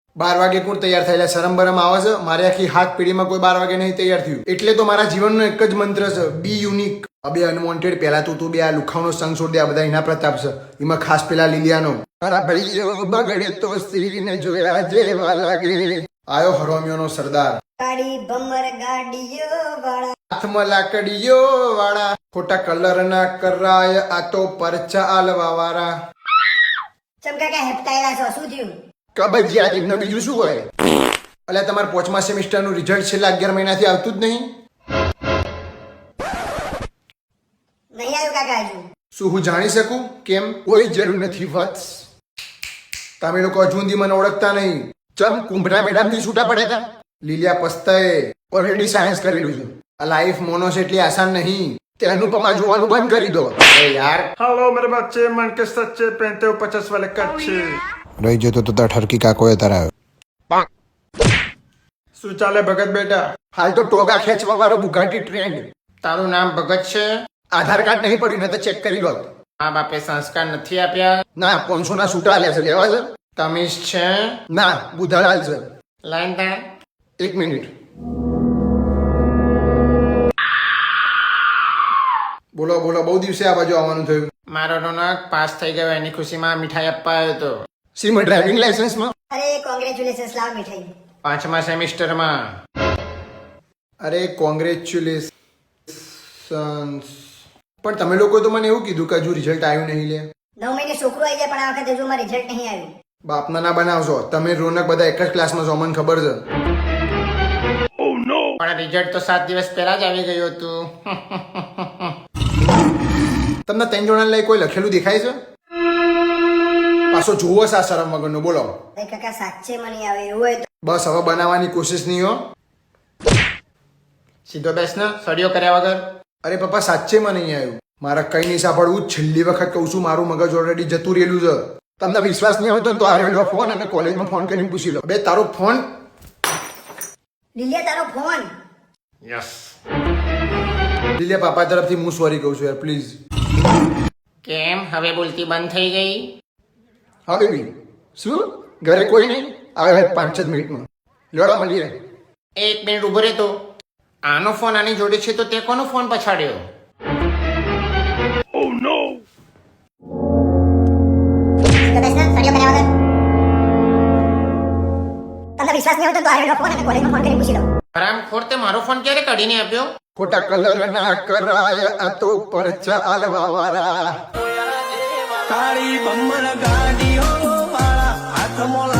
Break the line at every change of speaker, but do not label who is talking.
12 વાગે કોણ તૈયાર થયેલા? શરમ બરમ આવે છે? મારે આખી હાથ પેઢીમાં કોઈ 12 વાગે નહીં તૈયાર થયું. એટલે તો મારા જીવનનો એક જ મંત્ર છે, બી યુનિક. અબે અનવોન્ટેડ. પહેલા તું બે આ લુખાવનો સંગ છોડ દે. આ બધા એના પ્રતાપ છે. એમાં ખાસ પેલા લીલિયાનો. મારા ભાઈ બગડે તો સ્ત્રીને જોયા જેવા લાગે. આયો હરોમિયોનો સરદાર.
ગાડી બમર ગાડીઓ વાળા,
હાથમાં લાકડીઓ વાળા, ખોટા કલર ના કરાય આ તો પરચા આલવા વાળા.
ચમકા કે હેપતાયેલા છો, શું થયું?
કબજિયાત એમને બીજું શું હોય? એટલે તમારા 5મા સેમિસ્ટરનું રિઝલ્ટ છેલ્લા 11 મહિનાથી આવતું જ નહીં.
નહીં આવ્યું કાકા હજુ?
શું હું જાણી શકું કેમ? કોઈ જરૂર નથી વત્સ. તમે લોકો હજુ સુધી મને ઓળખતા નહીં. ચમ કુંભરા મેડમ થી છૂટા પડ્યા હતા? લીલિયા પસ્તાએ ઓલરેડી સાયન્સ કરેલું છે. આ લાઈફ મોનો છે એટલી આસાન નહીં. તે અનુપમા જોવાનું બંધ કરી દો. અરે યાર.
हेलो मेरे बच्चे, मन के सच्चे पहनते हो 50 वाले कच्चे.
રહી જતો તો ઠરકી કાકોએ તરાયો.
શું ચાલે ભગત બેટા?
હાલ તો ટોગા ખેંચવા વાળો બુગાટી ટ્રેન્ડ.
તારું નામ ભગત છે?
આધાર કાર્ડ નહીં પડ્યું ને તો ચેક કરી લો.
મા બાપે સંસ્કાર નથી આપ્યા?
ના 500 ના છૂટા લે છે. લેવા છે?
તમીઝ છે?
ના બુધાલાલ છે.
લાઈન તા.
1 મિનિટ. બોલો બોલો. બહુ દિવસે આ બાજુ આવવાનું થયું.
મારો રોનક પાસ થઈ ગયો એની ખુશીમાં મીઠાઈ આપવા આવ્યો હતો.
સીમાં ડ્રાઇવિંગ લાયસન્સમાં.
અરે કોંગ્રેચ્યુલેશન્સ, લાવ મીઠાઈ.
5મા સેમિસ્ટરમાં.
અરે કોંગ્રેચ્યુલેશન્સ. પણ તમે લોકો તો મને એવું કીધું કે હજુ રિઝલ્ટ આવ્યું નહીં લે.
9 મહિને છોકરો આવી જાય પણ આ વખતે હજુ મારું રિઝલ્ટ નહીં આવ્યું.
બાપના ના બનાવશો. તમે રોનક બધા એક જ ક્લાસમાં છો, મને ખબર છે.
પણ રિઝલ્ટ તો 7 દિવસ પહેલા જ આવી ગયું હતું.
તમને 3 જણા લઈ કોઈ લખેલું દેખાય છે? પાછો જોવો છે આ શરમ વગરનો. બોલો.
અરે કાકા સાચે મને નહીં આવે. એવું હોય તો
બસ હવે બનાવવાની કોશિશ નહીં હો.
સીધો બેસ ને, સળિયો કર્યા વગર.
અરે પપ્પા સાચે મને નહીં આવ્યું. મારે કઈ નહીં સાંભળવું. છેલ્લી વખત કહું છું, મારું મગજ ઓલરેડી જતું રહેલું છે. તમને વિશ્વાસ નહીં હોય તો આ ફોન અને કોલેજમાં ફોન કરીને પૂછી લો. બે તારો ફોન.
લીલિયા તારો ફોન.
યસ.
લીલિયા પાપા તરફથી હું સોરી કહું છું યાર, પ્લીઝ.
કેમ હવે બોલતી બંધ થઈ ગઈ?
હવે બી શું? ઘરે કોઈ નહીં આવે? 5 જ મિનિટમાં લડવા મળી રહે.
1 મિનિટ ઉભો રહેતો. આનો ફોન આની જોડે છે તો તે કોનો ફોન પછાડ્યો?
સીધો બેસ ને, સળિયો કર્યા વગર. તમને વિશ્વાસ નહીં હોય તો આ ફોન અને કોલેજમાં ફોન કરીને પૂછી લો.
હરામખોર, તે મારો ફોન ક્યારે કાઢીને આપ્યો?
ખોટા કલર ના કરાય આ તો પરચા આલવા વાળા.
કાળી બમર ગાડીઓ વાળા હાથમાં